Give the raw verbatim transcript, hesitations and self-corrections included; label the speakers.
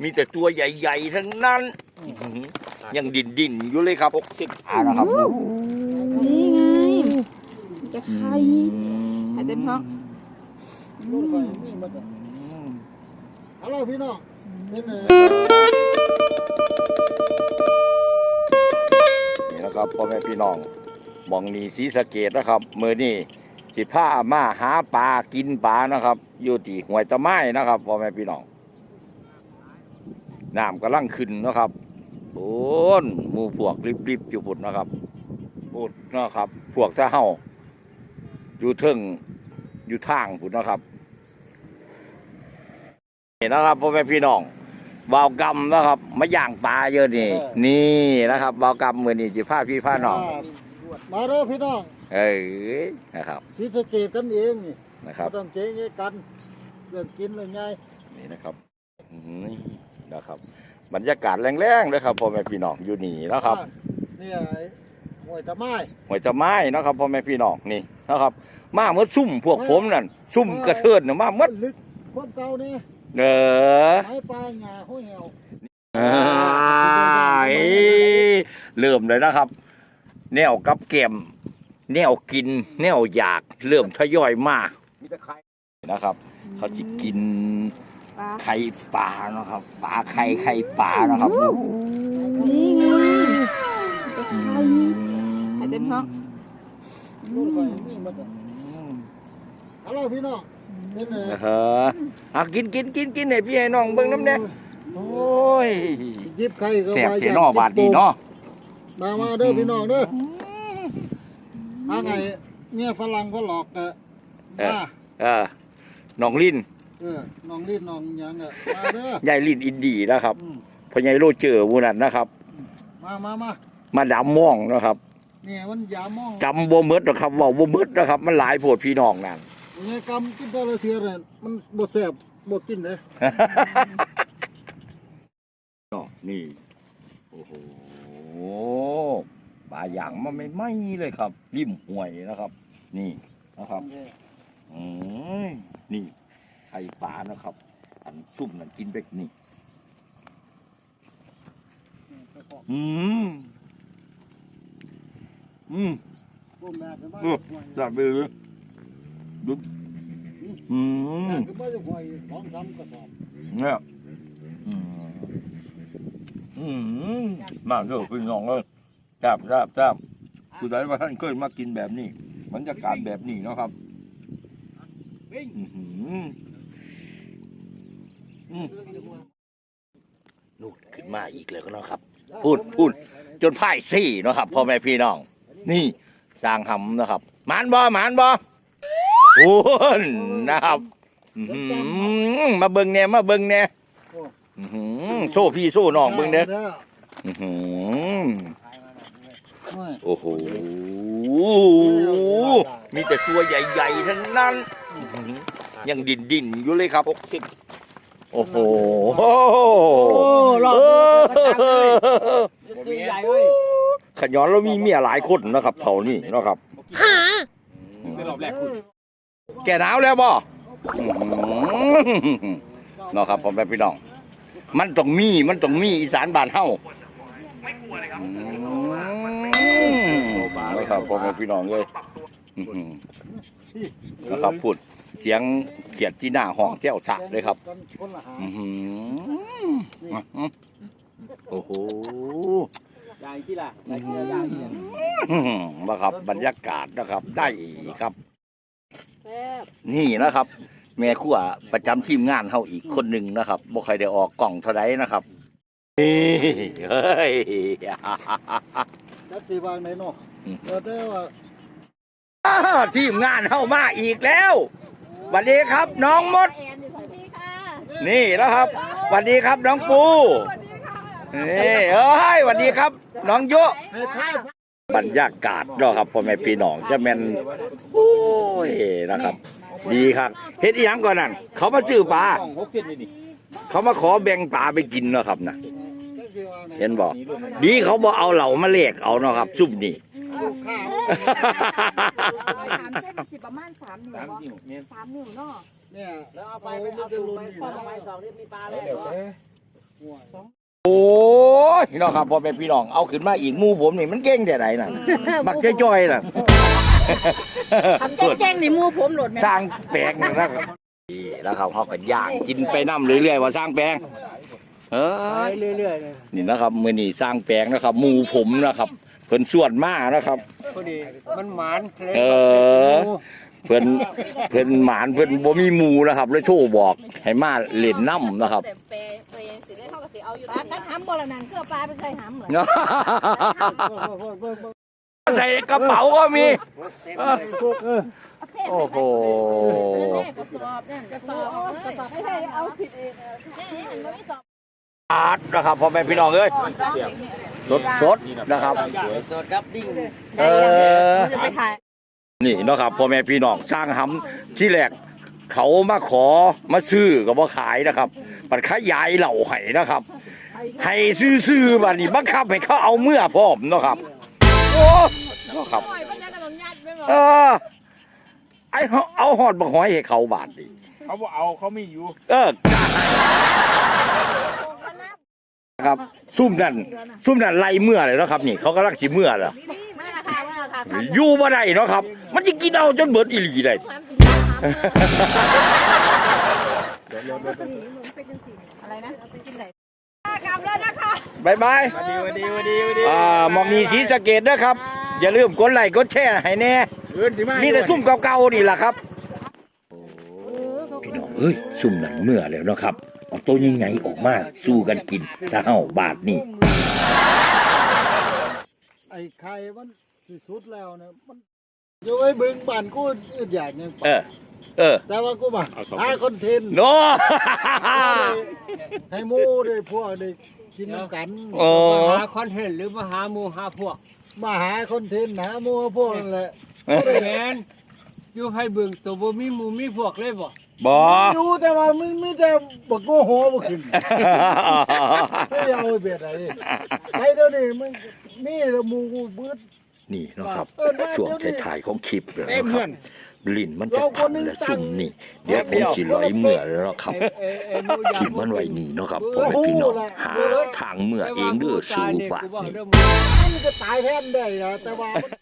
Speaker 1: มีแต่ตัวใหญ่ๆทั้งนั้นยังดินดินอยู่เลยครับหกสิบอ่านะครับ
Speaker 2: นี่ไงจะไข่ไข่เต็มท้อง
Speaker 3: ลูกไข่มีหมดเลยฮัลโหลพี่น้องเป็นไง
Speaker 1: นี่นะครับพ่อแม่พี่น้องมองนี่ศรีสะเกษนะครับมือนี่สิพามาหาปลากินปลานะครับอยู่ที่ห้วยตะไม้นะครับพ่อแม่พี่น้องน้ำกำลังขึ้นนะครับโอ้นหมู่พวกริบๆอยู่พุ่นนะครับพุ่นนะครับพวกถ้าเฮาอยู่เทิงอยู่ทางพุ่นนะครับนี่นะครับพ่อแม่พี่น้องบ่าวกำนะครับมาย่างปลาเยอะนี่นี่นะครับบ่าวกำมือนี่จิพาพี่พาน้อง
Speaker 3: มาเด้อพี่น้อง
Speaker 1: เอ้ยนะครับ
Speaker 3: ศรีสะเกษกันเองนี่
Speaker 1: นะครับ
Speaker 3: ต้องเจ๊งกันเรื่องกินเรื่องไง
Speaker 1: นี่นะครับนี่นะครับบรรยากาศแรงๆเลยครับพ่อแม่พี่น้องอยู่นี่นะครับ
Speaker 3: นี่ห้วยตะไม้
Speaker 1: ห้วยตะไม้นะครับพ่อแม่พี่น้องนี่นะครับมาเมื่อซุ่มพวกผมนั่นซุ่มกระเทินมาเมื่อ
Speaker 3: ลึกความเก่านี่
Speaker 1: เออ
Speaker 3: ไม้ปลาหญ้าห้วยแหว
Speaker 1: เริ่มเลยนะครับแนวกับเกมแนวกินแนวอยากเริ่มทยอยมานะครับเขาจะกินไข่ปลานะครับปลาไข่ไข่ปลานะครับ
Speaker 2: นี่ไงจะไข่ไข่เต็มท้อง
Speaker 3: ลูกไข่มีหมดเลยฮัลโหลพี่น้องเป็นไง
Speaker 1: เออเอากินกินกินกินให้พี่ให้น้องเบิ่งน้ำเนี่ยโอ้ย
Speaker 3: ยิบไข่ก็
Speaker 1: แซ่บเจนอบาดดีเนาะ
Speaker 3: มามาเด้อพี่น้องเด้อมาไงเนี่ยฝรั่งก็หลอกกะมา
Speaker 1: เออน้องลิ้น
Speaker 3: เออน้องลิ้นน้องยังอ่ะมาเด้อ
Speaker 1: ใหญ่ลิ้นอินดีนะครับพ่อใหญ่โรเจอร์วูนั่นนะครับ
Speaker 3: มามามา
Speaker 1: มาดำม่องนะครับ
Speaker 3: เนี่ยมันยาม่อง
Speaker 1: จำบ่หมดนะครับว่าบ่หมดนะครับมันหลายโพดพี่น้องนั่น
Speaker 3: เนี่ยกำกินแต่ละเทื่อเนี่ยมันบ่แซ่บบ่กินเลย
Speaker 1: นี่โอ้โหปลาอย่างมันไม่ไหม้เลยครับริมห้วยนะครับนี่นะครับอืมนี่ไข่ปลานะครับอันซุ่มนั่นกินเบ็กนี่อืมอืมอืมจับไปเลยดูอืมเนี่ยอืมอืมมาเถอะพี่น้องเลยจับจับจับคือได้ว่าท่านเคยมากินแบบนี้บรรยากาศแบบนี้นะครับนูดขึ้นมาอีกเลยก็เนาะครับพูดพูดจนพ่ายซี่เนาะครับพ่อแม่พี่น้องนี่สร้างหำนะครับหมานบ่หมานบ่โอ้นะครับมาเบิ่งแน่มาเบิ่งแน่โซ่พี่โซ่น้องเบิ่งเด้อโอ้โหมีแต่ตัวใหญ่ๆทั้งนั้นยังดินดินอยู่เลยครับหกสิบโอ้โห
Speaker 2: หลอกตัวใหญ่เลย
Speaker 1: ขย้อนเรามีเมียหลายคนนะครับเท่านี้นะครับแก่หนาวแล้วบ่เนาะครับผมเป็นพี่น้องมันต้องมีมันต้องมีอีสานบ้านเฮาไม่กลัวเลยครับไม่ครับผมเป็นพี่น้องเลยนะครับพูดเสียงเขียดที่หน้าห้องเจ้าสะเลยครับโอ้โห
Speaker 2: ใหญ่ที่ละ
Speaker 1: นะครับบรรยากาศนะครับได้ครับนี่นะครับแม่ครัวประจำทีมงานเฮาอีกคนหนึ่งนะครับบ่ใครได้ออกกล่องเท่าไรนะครับนี่เฮ้ย
Speaker 3: จัดตีบางไหนเนาะเดี๋ยวได้ว่า
Speaker 1: ทีมงานเฮามาอีกแล้วสวัสดีครับน้องมดนี่แล้วครับสวัสดีครับน้องปูนี่เอ้ยสวัสดีครับน้องโยบรรยากาศเนาะครับพ่อแม่พี่น้องจะแม่นโอ้ยนะครับดีครับเฮ็ดอีหยังก่อนนั่นเขามาซื้อปลาเขามาขอแบ่งปลาไปกินเนาะครับนะเห็นบอกดีเขาบอกเอาเหล่ามาเลกเอาเนาะครับซุ่มนี่
Speaker 4: สามเส้นสิบประมาณสามนิ้วสามนิ้วเนาะ
Speaker 3: เนี่ยแล้วเอาไปไปเอาตูไปพอไปสองนี่มีปลาแล้ว
Speaker 1: โอ้ยพี่น้องครับพอเป็นพี่น้องเอาขึ้นมาอีกหมู่ผมนี่มันเก่งแต่ไหนน่ะมักจะจ้อยน่ะ
Speaker 2: ทำแจ้งๆในมือผมโหลดแม่
Speaker 1: สร้างแปลงนี่นะครับนี่แล้วเขาเขาก็ย่างกินไปน้ำเรื่อยๆว่าสร้างแปลงเออเรื่อยๆเลยนี่นะครับมือนี่สร้างแปลงนะครับหมู่ผมนะครับเพิ่นส่วนมากนะครับ
Speaker 5: พอดีมันหมาน
Speaker 1: เออเพิ่นเพิ่นหมานเพิ่นบ่มีหมู่นะครับเลยโทรบอกให้มาเล่นน้ำนะครับ
Speaker 4: แต่เปย์เปย์สิได้เท่ากับสิเอาอยู่
Speaker 2: ปลากัดหำบ่ละนั่นคือปลาไปใส่หำเหรอ
Speaker 1: ใส่กระเป๋าก็มีโอ้โห
Speaker 4: แน่กระสอบนั่นกระสอบออกเลย
Speaker 2: ไม่ใช่เอาผิดเอง
Speaker 4: นี่มันไม่สอบ
Speaker 1: อาดนะครับพ่อแม่พี่น้องเอ้ยสดสดๆนะครับ
Speaker 5: สดครับดิ้ง
Speaker 1: เออ
Speaker 2: จะไปถ่าย
Speaker 1: นี่เนาะครับพ่อแม่พี่น้องสร้างหำที่แรกเขามาขอมาซื้อก็บ่ขายนะครับปัดขยายเหล่าให้นะครับ ให้ซื้อๆบัดนี้บังคับให้เขาเอาเมื่อพร้อมเนาะครับโอ้เนาะครับเออไอ้เขาเอาหอดบักหอยให้เขาบาดดิ
Speaker 5: เขาบอกเอาเขาไม่อยู่
Speaker 1: เออครับซุ่มนั่นซุ่มนั่นไล่เมื่อเลยเนาะครับนี่เขากำลังสิเมื่อเหรอ
Speaker 4: ไม่ราคาไม่ราคาครับ
Speaker 1: อยู่บ่ได้เนาะครับ มันจะกินเอาจนเบิดอีหลีได้
Speaker 4: ความสินค้า
Speaker 2: อะไรนะไปกินไหน
Speaker 1: บายบาย
Speaker 5: ดีวันดีวันดีวันดี
Speaker 1: อ่ามองนีสีสะเกดนะครับ อย่าลืมกดไลค์กดแชร์ให้แน่
Speaker 5: เอิ้นสิมา
Speaker 1: มีแต่ซุ่มเก่าๆนี่แหละครับพี่น้องเอ้ยซุ่มนั่นเมื่อแล้วเนาะครับเอาตัวยังไงออกมาสู้กันกินถ้าเฮาบาทนี่
Speaker 3: ไอ้ไข่มันสิสุดแล้วเนี่ยมันอยู่ไอ้บึงบ้านกูอึดอยากยัง
Speaker 1: เออ เออ
Speaker 3: แต่ว่ากูมาหาคอนเทนต์
Speaker 1: โน
Speaker 3: ให้หมูได้พวกได้กินน้ำกัน
Speaker 1: โอ้
Speaker 5: หาคอนเทนต์หรือมาหาหมูหาพวก
Speaker 3: มาหาคอนเทนต์หาหมูพวกนั่นแหละ
Speaker 5: แมนอยู่ให้เบิ่งตัวบ่มีหมูมีพวกเลยบ่
Speaker 1: บอ
Speaker 3: อยู่แต่ว่ามึงมีแต่บักโมโหบ่ขึ้นไม่เอาไอ้เบียดไอ้ไอ้เดี๋ยวนี้มึงมีแล้วหมูกูเบิด
Speaker 1: นี่เนาะครับช่วงท้ายๆของคลิปเลยนะครับลิ้นมันจะพันและซุ่มนี่เดี๋ยวผมสิร้อยเมื่อแล้วเนาะครับ
Speaker 5: เอ้ยเอ้ยหมูยา
Speaker 1: ทิมมันไว้นี่เนาะครับพ่อแม่พี่น้องหาทางเมื่อเองเด้อสู่บาทนี่
Speaker 3: มันก็ตายแทนได้นะแต่ว่า